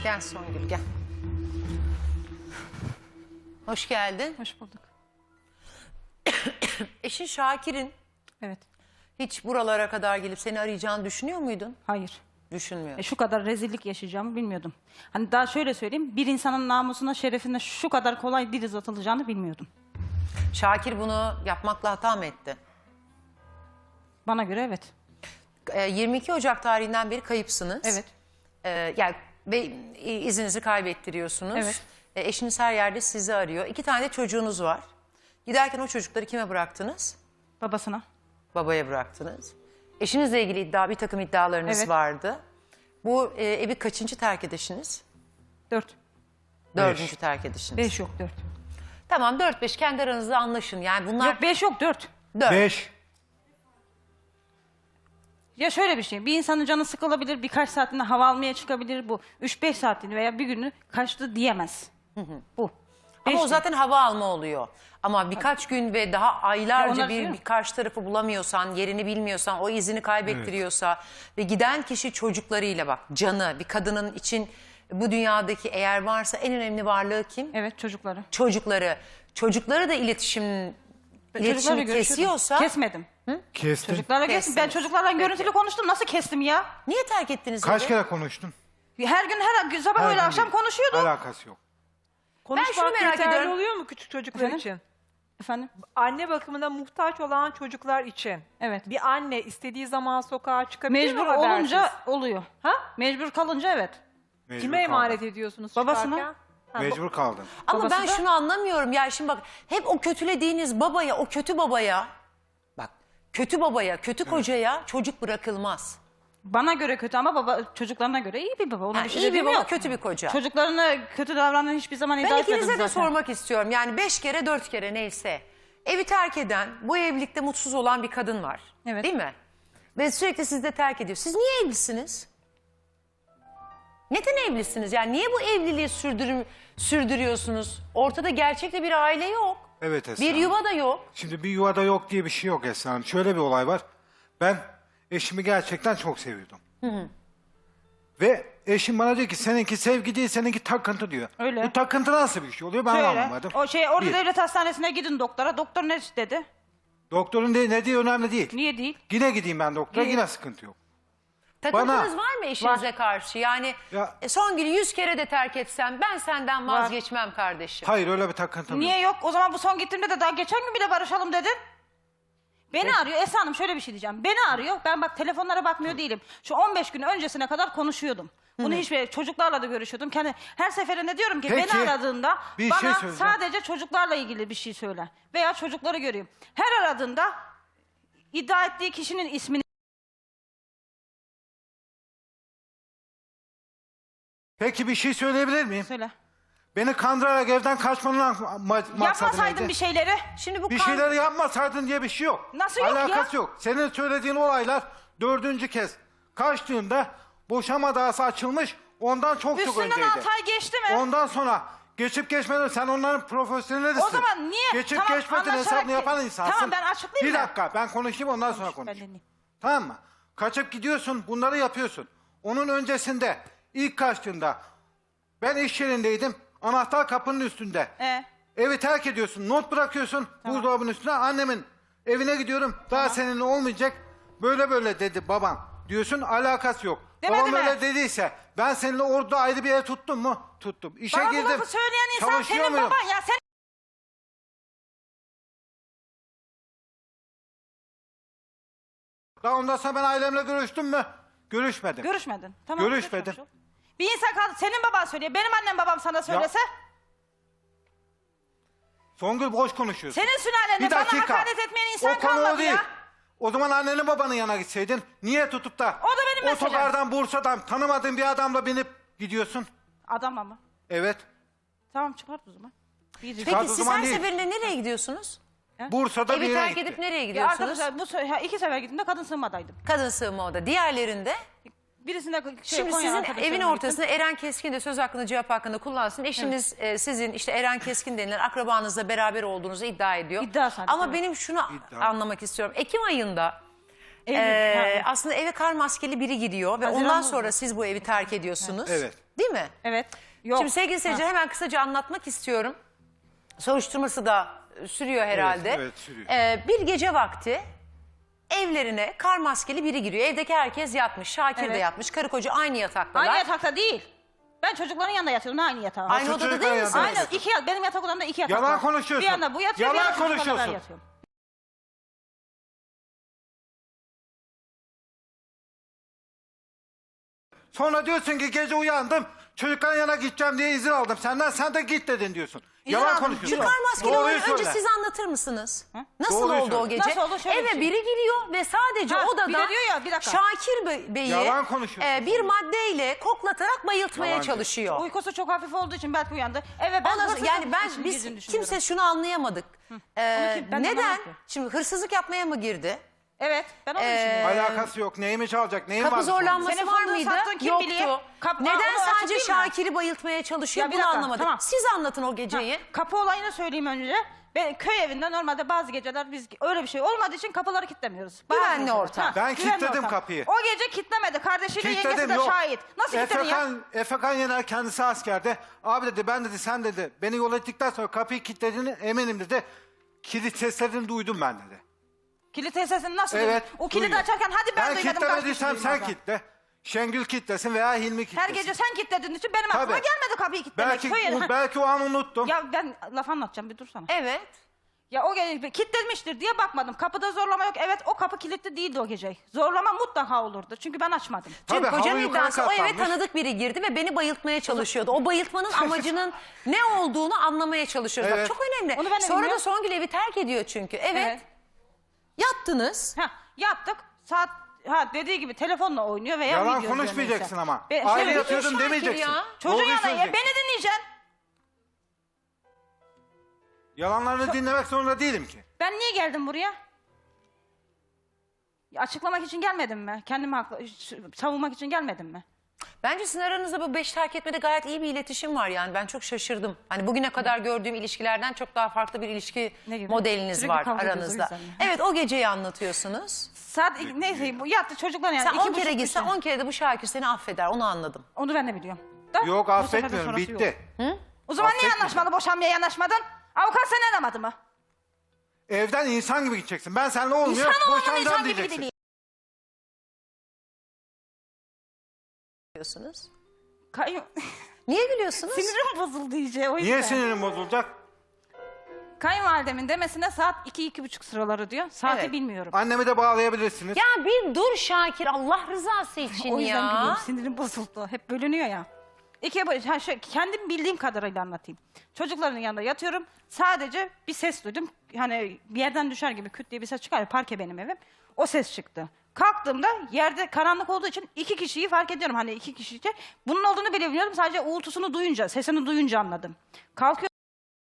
Gel Songül gel. Hoş geldin. Hoş bulduk. Eşin Şakir'in Evet. hiç buralara kadar gelip seni arayacağını düşünüyor muydun? Hayır. Düşünmüyor. Şu kadar rezillik yaşayacağımı bilmiyordum. Hani daha şöyle söyleyeyim. Bir insanın namusuna, şerefine şu kadar kolay dil uzatılacağını bilmiyordum. Şakir bunu yapmakla hata mı etti? Bana göre evet. 22 Ocak tarihinden beri kayıpsınız. Evet. Yani ve izinizi kaybettiriyorsunuz. Evet. Eşiniz her yerde sizi arıyor. 2 tane de çocuğunuz var. Giderken o çocukları kime bıraktınız? Babasına. Babaya bıraktınız. Eşinizle ilgili bir takım iddialarınız Evet. vardı. Bu evi kaçıncı terk edişiniz? 4. 4. terk edişiniz. 5 yok 4. Tamam 4-5 kendi aranızda anlaşın. Yani bunlar Yok 5 yok 4. 4. 5. Ya şöyle bir şey. Bir insanın canı sıkılabilir. Birkaç saatinde hava almaya çıkabilir. Bu 3-5 saatini veya bir günü kaçtı diyemez. Bu. Ama Beş o zaten hava alma oluyor. Ama birkaç gün ve daha Ya aylarca onlar bir diyor. karşı tarafı bulamıyorsan, yerini bilmiyorsan, o izini kaybettiriyorsa ve giden kişi çocuklarıyla bak canı, bir kadının için bu dünyadaki eğer varsa en önemli varlığı kim? Evet çocukları. Çocukları. Çocukları da iletişimi Çocuklarla görüşüyordum. kesiyorsa Kesmedim. Kestin. Çocuklarla kestim. Ben Kestiniz. çocuklarla Peki. görüntülü konuştum. Nasıl kestim ya? niye terk ettiniz Kaç evi? kere konuştun? Her gün her sabah Her öyle gün akşam değil. konuşuyordum. Alakası yok. Ben şunu merak yeterli ediyorum. oluyor mu küçük çocuklar Efendim? için? Efendim? Anne bakımına muhtaç olan çocuklar için. Evet. Bir anne istediği zaman sokağa çıkabilir Mecbur mi habersiz? olunca oluyor. Ha? Mecbur kalınca evet. Mecbur Kime kaldın. emanet ediyorsunuz Babasına. çıkarken? Ha, Mecbur kaldın. Ama Babası ben da- şunu anlamıyorum. Ya şimdi bak hep o kötülediğiniz babaya, o kötü babaya, bak kötü babaya, kötü kocaya çocuk bırakılmaz. Bana göre kötü ama baba çocuklarına göre iyi bir baba. Ona Ha, bir şey iyi bir dediğim baba, yok. kötü bir koca. Çocuklarına kötü davrandığını hiçbir zaman iddia Ben etmedim ikinize de zaten. sormak istiyorum. Yani 5 kere 4 kere neyse. Evi terk eden, bu evlilikte mutsuz olan bir kadın var. Evet. Değil mi? Ve sürekli sizi de terk ediyor. Siz niye evlisiniz? Neden evlisiniz? Yani niye bu evliliği sürdürüyorsunuz? Ortada gerçekte bir aile yok. Evet Esra Bir Hanım. yuva da yok. Şimdi bir yuvada yok diye bir şey yok Esra Hanım. Şöyle bir olay var. Ben eşimi gerçekten çok seviyordum. Ve eşim bana diyor ki seninki sevgi değil seninki takıntı diyor. Öyle. Bu takıntı nasıl bir şey oluyor ben Şöyle, anlamadım. o şey orada Bir. devlet hastanesine gidin doktora. Doktor ne dedi? Doktorun ne diye önemli değil. Niye değil? Yine gideyim ben doktora Gidin. yine sıkıntı yok. Takıntınız var mı eşinize karşı? Yani Ya- son günü 100 kere de terk etsem ben senden vazgeçmem kardeşim. Hayır öyle bir takıntım yok. Niye yok? O zaman bu son gittiğimde de daha geçen gün bile barışalım dedin. Beni arıyor. Esra Hanım şöyle bir şey diyeceğim. Beni arıyor. Ben bak telefonlara bakmıyor değilim. Şu 15 gün öncesine kadar konuşuyordum. Bunu hiçbir çocuklarla da görüşüyordum. Her seferinde diyorum ki Peki, beni aradığında bir bana şey söyleyeceğim. sadece çocuklarla ilgili bir şey söyle. Veya çocukları göreyim. Her aradığında iddia ettiği kişinin ismini Peki bir şey söyleyebilir miyim? söyle. Beni kandırarak evden kaçmanın maksadı Yapmasaydın neydi? bir şeyleri. Şimdi bu Bir şeyleri yapmasaydın diye bir şey yok. Nasıl yok ya? Alakası yok. Senin söylediğin olaylar 4. kez kaçtığında boşama davası açılmış ondan çok Üstünden önceydi. 6 ay geçti mi? Ondan sonra geçip geçmeden sen onların profesyonelisin. O zaman niye? Geçip Tamam, geçmeden anlaşarak hesabını ki- yapan insansın. Tamam, ben açıklayayım Bir mı? dakika ben konuşayım ondan sonra Ben konuş. dinleyeyim. Tamam mı? Kaçıp gidiyorsun bunları yapıyorsun. Onun öncesinde ilk kaçtığında ben iş yerindeydim. Anahtar kapının üstünde. Evi terk ediyorsun. Not bırakıyorsun buzdolabının üstüne. Annemin evine gidiyorum. Daha seninle olmayacak. Böyle böyle dedi babam. Diyorsun alakası yok. Demedi Babam mi? öyle dediyse ben seninle orada ayrı bir ev tuttum mu? Tuttum. İşe Bana bu girdim. lafı söyleyen insan Çalışıyor senin muyum? baban ya. Sen Daha ondan sonra ben ailemle görüştüm mü? Görüşmedim. görüşmedin. Tamam. Görüşmedim. görüşmemiş ol. Bir insan kaldı. Senin baban söylüyor. Benim annem babam sana söylese. Songül boş konuşuyorsun. Senin sülalende Bir bana dakika. hakaret etmeyen insan O konu kalmadı o değil. ya. O zaman annenin babanın yanına gitseydin. Niye tutup da O da benim meselem. otogardan Bursa'dan tanımadığın bir adamla binip gidiyorsun? Adam ama. Evet. Tamam çıkart o zaman. Bir Peki Saat o siz zaman her değil. seferinde nereye gidiyorsunuz? Bursa'da bir Evi yere terk gitti. edip nereye Ya gidiyorsunuz? arkadaşlar bu 2 sefer gittiğimde kadın sığınmadaydım. Kadın sığınma oda. Diğerlerinde? Birisinde Şimdi Konya sizin arkadaşlarıma evin gittim. ortasında Eren Keskin de söz hakkında cevap hakkında kullansın. Eşiniz sizin işte Eren Keskin denilen akrabanızla beraber olduğunuzu iddia ediyor. İddia sadece, Ama evet. benim şunu İddia. anlamak istiyorum. Ekim ayında Eylül, aslında eve kar maskeli biri giriyor ve Haziran'da ondan oldu. sonra siz bu evi terk ediyorsunuz. Evet. Değil mi? Evet. Yok. Şimdi sevgili seyirciler hemen kısaca anlatmak istiyorum. Soruşturması da sürüyor herhalde. evet, sürüyor. Bir gece vakti evlerine kar maskeli biri giriyor. Evdeki herkes yatmış. Şakir de Evet. yatmış. Karı koca aynı yataktalar. Aynı yatakta değil. Ben çocukların yanında yatıyordum aynı yatağa. Aynı Nasıl odada çocuklar değil misin? yanında? Aynen benim yatak odamda 2 yatak Yalan var. konuşuyorsun. Bir yanda bu yatıyor, Yalan bir yanda çocuklarla ben konuşuyorsun. yatıyorum. Sonra diyorsun ki gece uyandım. Çocukların yana gideceğim diye izin aldım. Sen de git dedin diyorsun. Yalan aldım. konuşuyorsun. Şu kar maskeli Doğruyu olayı önce söyle. siz anlatır mısınız? Nasıl Doğruyu oldu o söyle. gece? Nasıl oldu? Şöyle bir Eve şey. biri giriyor ve sadece Ha, odada bir de diyor ya, bir dakika. Şakir Bey'i Yalan konuşuyorsun. bir maddeyle koklatarak bayıltmaya Yalancı. çalışıyor. Uykusu çok hafif olduğu için belki uyandı. Evet ben Ondan sonra- hırsızlık yani ben için biz girdiğini düşünüyorum. kimse şunu anlayamadık. ben Neden? anlamadım ki. Şimdi hırsızlık yapmaya mı girdi? Evet ben onu düşünüyorum. Alakası yok. Neyimi çalacak? Neyin Kapı var? zorlanması Senin var fındığı mıydı? sattığın kim Yoktu. biliyor? Neden onu sadece açıklayayım mı? Şakir'i bayıltmaya çalışıyor Ya bir bunu dakika, anlamadık. tamam. Siz anlatın o geceyi. Kapı olayını söyleyeyim önce. Ben köy evinde normalde bazı geceler biz öyle bir şey olmadığı için kapıları kilitlemiyoruz. Bazı Güvenli geceler. ortam. Ben güvenli kilitledim ortam. kapıyı. O gece kilitlemedi. Kardeşiyle yengesi Kilitledim de yok. şahit. Nasıl kilitledin ya? Efekan Yener kendisi askerde. Abi dedi ben dedi sen dedi beni yol ettikten sonra kapıyı kilitlediğini eminim dedi. Kilit seslerini duydum ben dedi. Kilit sesini nasıl Evet. duydun? O kilidi duyuyor. açarken hadi ben duymadım. kilitlemediysem kaç sen kişi duymadı? kilitle. Şengül kilitlesin veya Hilmi kilitlesin. Her gece sen kilitlediğin için benim aklıma Tabii. gelmedi kapıyı kilitlemek. Belki o an unuttum. Ya ben laf anlatacağım bir dursana. Evet. Ya o gece kilitlenmiştir diye bakmadım. Kapıda zorlama yok. Evet o kapı kilitli değildi o gece. Zorlama mutlaka olurdu. Çünkü ben açmadım. Çünkü Tabii, kocanın halı yukarı iddiası o eve katlanmış. tanıdık biri girdi ve beni bayıltmaya çalışıyordu. O bayıltmanın amacının ne olduğunu anlamaya çalışıyoruz. Bak, Evet. çok önemli. Onu ben de Sonra da bilmiyorum. Songül evi terk ediyor çünkü. Evet. Yattınız. Yaptık. Saat dediği gibi telefonla oynuyor veya Yalan video izliyor konuşmayacaksın neyse. ama. Ben- Aile şey- yatıyordum Şakir demeyeceksin. ya. Çocuğun Doğruyu yanında söyleyeceksin. beni dinleyeceksin. Yalanlarını dinlemek zorunda değilim ki. Ben niye geldim buraya? Ya açıklamak için gelmedim mi? Kendimi savunmak için gelmedim mi? Bence sizin aranızda bu 5 terk etmede gayet iyi bir iletişim var yani. Ben çok şaşırdım. Hani bugüne kadar gördüğüm ilişkilerden çok daha farklı bir ilişki Ne gibi? modeliniz Sürekli var kavga ediyoruz, o aranızda. yüzden mi? Evet, o geceyi anlatıyorsunuz. Neyse bu yattı çocuklar yani. Sen 10 2,5 kere gitsen üç- 10 kere de bu Şakir seni affeder, onu anladım. Onu ben de biliyorum. Da, Yok bu sefer de affetmiyorum sonrası bitti. yok. O zaman niye Affetmiyorum. anlaşmalı boşanmaya yanaşmadın? Avukat seni aramadı mı? Evden insan gibi gideceksin. Ben seninle olmuyor. İnsan olanın Boşanacağım insan gibi diyeceksin. değil. Diyorsunuz. Kayyum... Niye gülüyorsunuz? Sinirim bozuldu iyice o yüzden. Niye sinirin bozulacak? Kayınvalidemin demesine saat 2-2,5 sıraları diyor. Saati Evet. bilmiyorum. Annemi de bağlayabilirsiniz. Ya bir dur Şakir, Allah rızası için O yüzden ya. gülüyorum. Sinirim bozuldu. Hep bölünüyor ya. Kendim bildiğim kadarıyla anlatayım. Çocukların yanında yatıyorum. Sadece bir ses duydum. Hani bir yerden düşer gibi küt diye bir ses çıkar ya. Parke benim evim. O ses çıktı. Kalktığımda yerde karanlık olduğu için 2 kişiyi fark ediyorum. Hani 2 kişi. Bunun olduğunu bile bilmiyordum. Sadece uğultusunu duyunca, sesini duyunca anladım. Kalkıyor.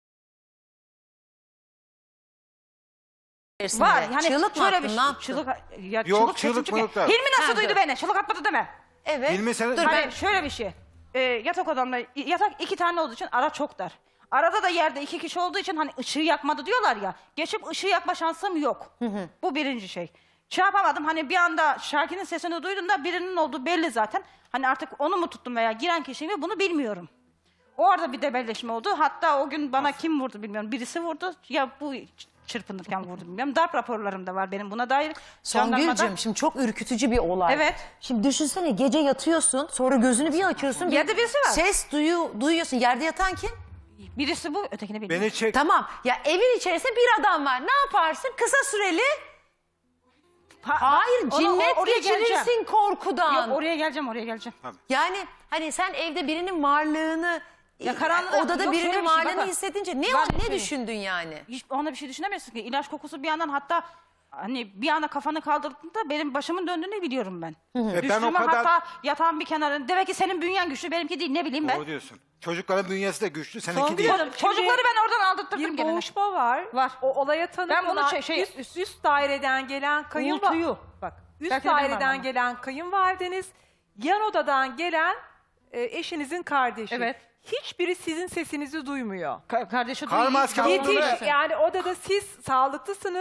Var. Yani Çığlık mı şöyle attın, bir ne yaptın? Çığlık, Yok, sesim çığlık çıkıyor. mılık da. Hilmi nasıl Ha, duydu dur. beni? Çığlık atmadı deme. Evet. Hilmi sen- Dur Hani ben... şöyle bir şey. Yatak odamda yatak 2 tane olduğu için ara çok dar. Arada da yerde 2 kişi olduğu için hani ışığı yakmadı diyorlar ya. Geçip ışığı yakma şansım yok. Bu birinci şey. Şey yapamadım hani bir anda Şakir'in sesini duyduğumda birinin olduğu belli zaten. Hani artık onu mu tuttum veya giren kişi mi bunu bilmiyorum. Orada bir debelleşme oldu. Hatta o gün bana kim vurdu bilmiyorum. Birisi vurdu ya bu çırpınırken vurdu bilmiyorum. Darp raporlarım da var benim buna dair. Jandarmada. Songül'cüm şimdi çok ürkütücü bir olay. Evet. Şimdi düşünsene gece yatıyorsun, sonra gözünü bir açıyorsun. Yerde birisi var. Ses duyuyorsun. Yerde yatan kim? Birisi bu ötekini bilmiyorum. Beni çek. Tamam. Ya evin içerisinde bir adam var. Ne yaparsın? Kısa süreli. Hayır, cinnet oraya geçirirsin geleceğim. korkudan. Yok oraya geleceğim. Yani hani sen evde birinin varlığını, Ya karanlıkta- odada yok, şöyle birinin bir şey, varlığını bak. hissedince Var bir ne şey. düşündün yani? Hiç ona bir şey düşünemezsin ki. İlaç kokusu bir yandan hatta hani bir anda kafanı kaldırdığında benim başımın döndüğünü biliyorum ben. Ben o Düştüğümü kadar... hatta yatağın bir kenarında. Demek ki senin bünyen güçlü benimki değil ne bileyim ben. Doğru diyorsun. Çocukların bünyesi de güçlü, seninki Songül değil. Hanım, Çocukları ben oradan aldırttırdım Bir gene. boğuşma var. Var. O olaya tanık Ben bunu olan üst daireden gelen Uğultuyu. Bak, üst Belki de ben varım daireden ama. gelen kayınvalideniz, yan odadan gelen eşinizin kardeşi. Evet. Hiçbiri sizin sesinizi duymuyor. Kardeşi Kar maskeli duyuyor. olduğunu Yetiş, yani odada siz sağlıklısınız.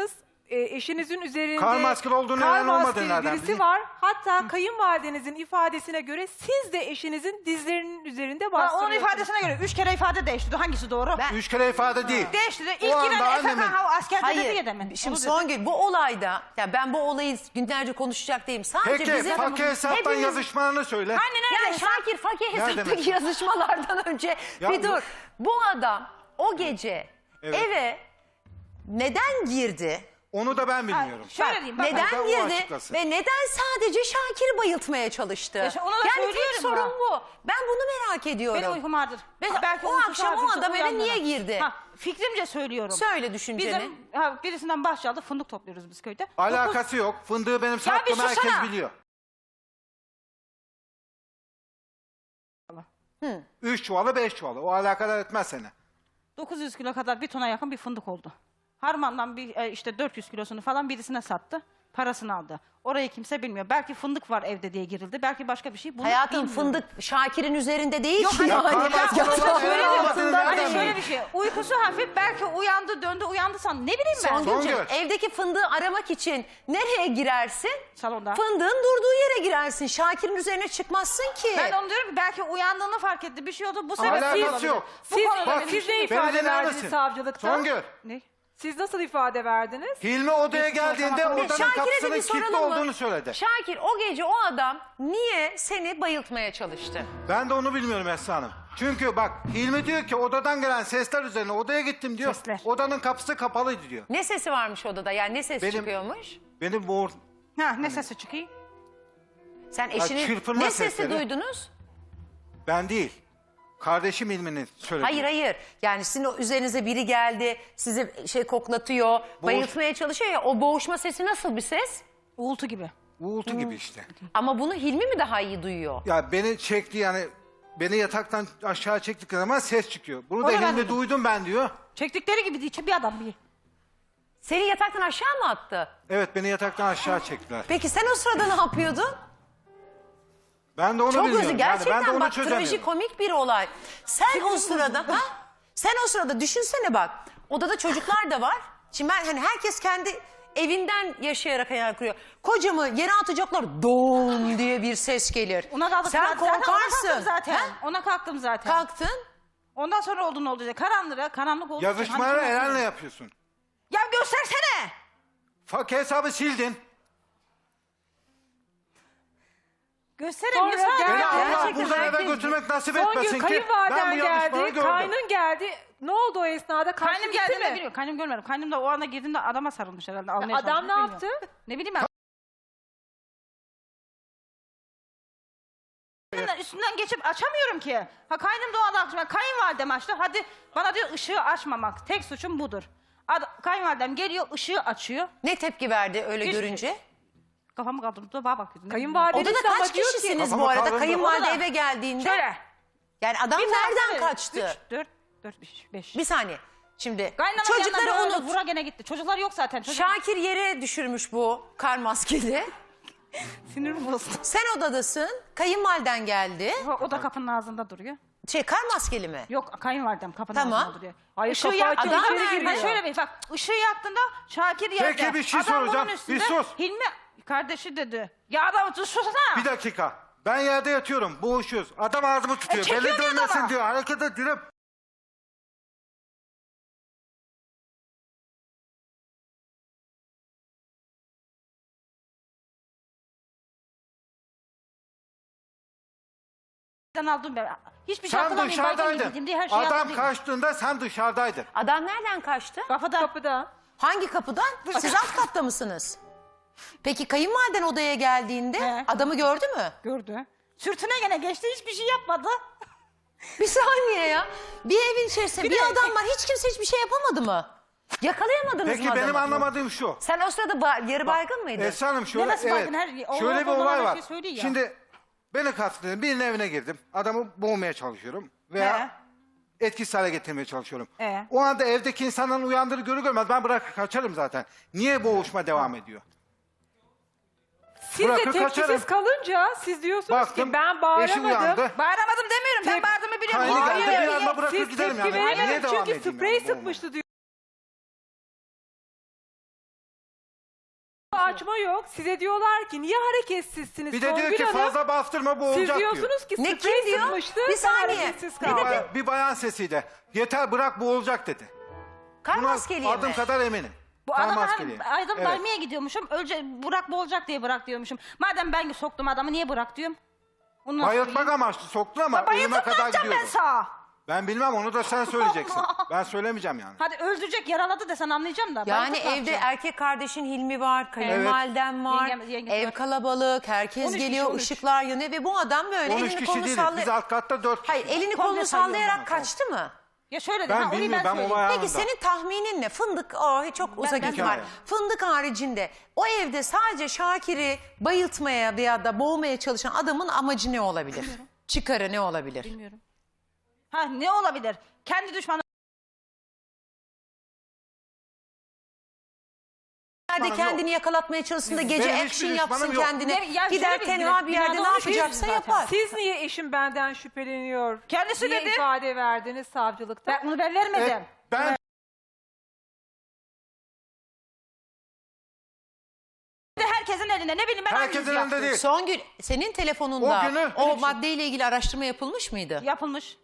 eşinizin üzerinde Kar maskeli olduğunu kar neden olmadığını maskeli nereden birisi bileyim? var. Hatta kayınvalidenizin ifadesine göre siz de eşinizin dizlerinin üzerinde Onun bastırıyorsunuz. ifadesine göre 3 kere ifade değiştirdi. Hangisi doğru? 3 kere ifade değil. Değiştirdi. O İlk anda giren annemin- Efekan Hava askerde dedi Hayır. ya demin. Şimdi Onu dedi. Songül bu olayda ya ben bu olayı günlerce konuşacak değilim. Sadece Peki bizim fakir hesaptan hepimiz- yazışmalarını söyle. Anne nerede? Ya Şakir fakir hesaptaki mesela? yazışmalardan önce Ya bir bu- dur. Bu adam o gece Evet. eve neden girdi? Onu da ben bilmiyorum. Şöyle Bak, diyeyim. Bak, neden bak, o girdi açıklasın. ve neden sadece Şakir'i bayıltmaya çalıştı? Ya ona da yani tek söylüyorum sorun ben. bu. Ben bunu merak ediyorum. benim uykum vardır. Mesela Belki o uykusu akşam o vardır, adam eve uyanmadan. niye girdi? Fikrimce söylüyorum. Söyle düşünceni. Bizim birisinden bahçe aldık. Fındık topluyoruz biz köyde. Alakası yok. Fındığı benim bir sattığımı herkes susana. biliyor. 3 çuvalı 5 çuvalı. O alakadar etmez seni. 900 kilo kadar bir tona yakın bir fındık oldu. Harman'dan işte 400 kilosunu falan birisine sattı. Parasını aldı. Orayı kimse bilmiyor. Belki fındık var evde diye girildi. Belki başka bir şey. Bunu Hayatım bilmiyorum. fındık Şakir'in üzerinde değil Yok, ki. hayır, yani. karmaşık Ya olan çok şeyler öyle olmadığını diyorsun da nereden değil. Şöyle bir şey. Uykusu hafif. Belki uyandı döndü uyandı san. Ne bileyim ben. Songülcüğüm, Songül. evdeki fındığı aramak için nereye girersin? Salonda. Fındığın durduğu yere girersin. Şakir'in üzerine çıkmazsın ki. Ben onu diyorum ki belki uyandığını fark etti. Bir şey oldu. Bu sebeple Alakası olabilir. yok. Bu Siz, konuda Bak, benim siz ne düşüncem- beni ifade dinler verdiniz misin? savcılıkta? Songül. Ne? Siz nasıl ifade verdiniz? Hilmi odaya geldiğinde tamam. odanın Şakir'e de kapısının bir kilitli soralım mı? olduğunu söyledi. Şakir o gece o adam niye seni bayıltmaya çalıştı? Ben de onu bilmiyorum Esra Hanım. Çünkü bak Hilmi diyor ki odadan gelen sesler üzerine odaya gittim diyor. Sesler. Odanın kapısı kapalıydı diyor. Ne sesi varmış odada? Yani ne ses Benim- çıkıyormuş? Benim boğur... Ne sesi çıkıyor? Sen eşinin çırpınma ne sesi sesleri. duydunuz? Ben değil. Kardeşim Hilmi'nin söylediği. Hayır hayır. Yani sizin o üzerinize biri geldi, sizi bayıltmıyor, bayıltmaya çalışıyor ya. O boğuşma sesi nasıl bir ses? Uğultu gibi. Uğultu gibi işte. Ama bunu Hilmi mi daha iyi duyuyor? Ya beni çekti yani beni yataktan aşağı çektikleri zaman ses çıkıyor. Bunu da Onu ben Hilmi duydum. duydum ben diyor. Çektikleri gibi değil. Bir adam bir. Seni yataktan aşağı mı attı? Evet beni yataktan aşağı çektiler. Peki sen o sırada ne yapıyordun? Ben de onu Çok bilmiyorum. özür Yani ben de gerçekten onu bak çözemiyorum. trajikomik bir olay. Sen o sırada sen o sırada düşünsene bak. Odada çocuklar da var. Şimdi ben hani herkes kendi evinden yaşayarak hayal kuruyor. Kocamı yere atacaklar don diye bir ses gelir. Ona kaldık Sen zaten. Ona kalktım korkarsın. zaten. Ha? Ona kalktım zaten. Kalktın. Ondan sonra oldu diye. Karanlık oldu. Yazışmaları Hani- Eren'le yapıyorsun. Ya göstersene. Fakir hesabı sildin. Göstereyim. Sonra Lütfen. gel- Beni Ya. Allah gerçekten buradan eve herkes- götürmek nasip Son etmesin gün ki. Ben kayınvaliden bu yazışmaları geldi, gördüm. kaynın geldi. Ne oldu o esnada? Kaçtı Kaynım gitti geldiğinde mi? biliyor. Kaynım görmedim. Kaynım da o anda girdiğinde adama sarılmış herhalde. Almaya Adam ne çalışmış, yaptı? bilmiyorum. Ne bileyim ben. Üstünden geçip açamıyorum ki. Kaynım da o anda açmış. Kayınvalidem açtı. Hadi bana diyor ışığı açmamak. Tek suçum budur. Kayınvalidem geliyor ışığı açıyor. Ne tepki verdi öyle Hiçbir görünce? Kafamı kaldırıp da bana bakıyordu. Kayınvalideniz Odada de ama kaç diyor ki- kişisiniz bu Kafama arada? kaldırdı. Kayınvalide Odada. eve geldiğinde. Şöyle. Yani adam nereden kaçtı? 4, 5. Bir saniye. Şimdi Kaynanam çocukları yanına böyle unut. vura gene gitti. Çocuklar yok zaten. Şakir yere düşürmüş bu kar maskeli. Sinirim bozdu. Sen odadasın. Kayınvaliden geldi. O da kapının ağzında duruyor. Kar maskeli mi? Yok kayınvalidem kapının Tamam. ağzında duruyor. Hayır, Işığı kapı yaktı. açıyor, içeri Ben giriyor. şöyle bir bak ışığı yaktığında Şakir yerde. Peki, bir şey Adam bunun soracağım. üstünde, Bir sus. Hilmi kardeşi dedi. Ya adam susana. Bir dakika. Ben yerde yatıyorum. Boğuşuyoruz. Adam ağzımı tutuyor. çekiyor Beni diyor dönmesin adama. diyor. Hareket ediyorum. Aldım ben. Hiçbir şey Sen hatırlamıyorum. Baygın dışarıdaydın. gibiydim diye her şeyi Adam hatırlıyorum. kaçtığında sen dışarıdaydın. Adam nereden kaçtı? Kapıda. Kapıda. Hangi kapıdan? Siz alt katta mısınız? Peki kayınvaliden odaya geldiğinde He. adamı gördü mü? Gördü. Sürtüne gene geçti hiçbir şey yapmadı. Bir saniye ya. Bir evin içerisinde bir de- adam var. Hiç kimse hiçbir şey yapamadı mı? Yakalayamadınız mı Peki adamı? benim anlamadığım şu. Sen o sırada yarı baygın mıydın? Esra Hanım şöyle, nasıl evet, baygın? Her- şöyle bir olan olay her var. şeyi söylüyor ya. Şimdi beni kastediyorum. Birinin evine girdim. Adamı boğmaya çalışıyorum. Veya etkisiz hale getirmeye çalışıyorum. O anda evdeki insanların uyandığını görür görmez ben bırakıp kaçarım zaten. Niye boğuşma devam ediyor? Siz de Bırakır tepkisiz kaçarım. kalınca siz diyorsunuz Baktım ki ben eşi bağıramadım. uyandı. Bağıramadım demiyorum. Ben bağırdığımı biliyorum. Kaydı Hayır, geldi, bir hayır. anda bırakıp Siz giderim tepki yani. Niye veremediniz devam çünkü edeyim sprey yani boğulmaya? sıkmıştı diyor. kaçma yok. Size diyorlar ki niye hareketsizsiniz Bir de diyor Songül ki Hanım? fazla bastırma bu Siz olacak diyor. diyorsunuz ki Ne, sprey kim diyor? sıkmıştı. Bir ben saniye. hareketsiz Ne kaldım. dedi? Bir bayan sesiyle. Yeter bırak bu olacak dedi. Kar Buna maskeliye adım mi? kadar eminim. Bu Kar adamı maskeliye. hani adam Evet. vermeye gidiyormuşum. Önce Burak bu olacak diye bırak diyormuşum. Madem ben soktum adamı niye bırak diyorum? Onu nasıl Bayıltmak söyleyeyim? amaçlı soktun ama Bayıltıp ölüme ne kadar yapacağım ben gidiyordu. sağa? Ben bilmem, onu da sen söyleyeceksin. Ben söylemeyeceğim yani. Hadi öldürecek yaraladı desen anlayacağım da. Yani bayıltıp ne evde yapacağım? erkek kardeşin Hilmi var, kayınvaliden var, Yengem ev var. kalabalık, herkes 13 kişi, geliyor, 13. ışıklar yanıyor ve bu adam böyle 13 elini kişi kolunu değiliz. sallayarak... Biz alt katta 4 kişi. Hayır, elini Komple kolunu sayıyorum sallayarak ben. kaçtı mı? Ya şöyle de Ben orayı bilmiyorum, ben söyleyeyim. olay Peki anında. senin tahminin ne? Fındık çok uzak ben- ihtimal. Hikaye. Fındık haricinde o evde sadece Şakir'i bayıltmaya veya da boğmaya çalışan adamın amacı ne olabilir? Çıkarı ne olabilir? Bilmiyorum. Ha ne olabilir? Kendi düşmanı. Nerede yok. kendini yakalatmaya çalışsın da gece Benim hiçbir action düşmanım yapsın yok. kendine. Ne- ya Gider şöyle bir- tenha bir yerde binada ne olmuş yapacaksa zaten. yapar. Siz niye eşim benden şüpheleniyor? Kendisi diye dedi. ifade verdiniz savcılıkta. Ben bunu ben vermedim. Ben Herkesin elinde ne bileyim ben herkesin hangisi önünde yaptım? değil. Songül senin telefonunda O günü- o maddeyle ilgili araştırma yapılmış mıydı? Yapılmış.